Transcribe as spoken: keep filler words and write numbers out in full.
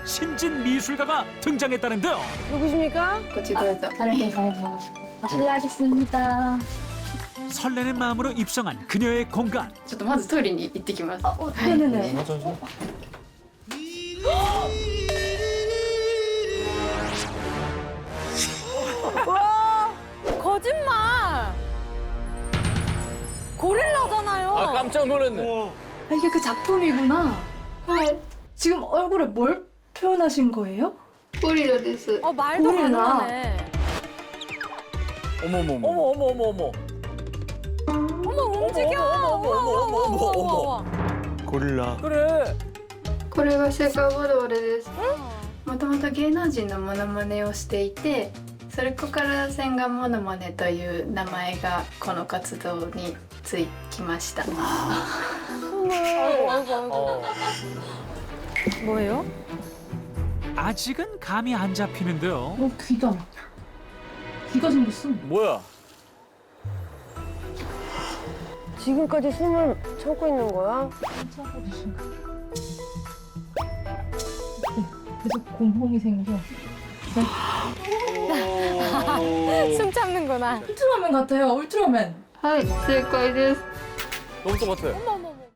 신진 미술가가 등장했다는데요. 누구십니까? 실례하겠습니다. 설레는 마음으로 입성한 그녀의 공간. ちょっとまずトイレに行ってきます。 어, 네네네. 와, 거짓말. 고릴라잖아요. 아 깜짝 놀랐네. 아, 이게 그 작품이구나. 지금 얼굴에 뭘 표현하신 거예요? ゴリラです。 어, 말도 고릴라. 가능하네. 어머머머. 어머 어머 어머 어머. 어머, 움직여. 어머, 어머, 어머, 어머, 어머, 어머. 고릴라. 그래. これがセカゴドールです。もともと芸能人のモノマネをしていて、それから千賀モノマネという名前がこの活動につきました。 아이고, 아이고, 아이고. 어. 뭐예요? 아직은 감이 안 잡히는데요. 어, 귀다. 귀가 생겼어. 뭐야? 지금까지 숨을 참고 있는 거야? 계속 공포이 생겨. 숨 참는구나. 울트라맨 같아요, 울트라맨. はい、正解です。 너무 똑같아. 어머, 어머, 어머.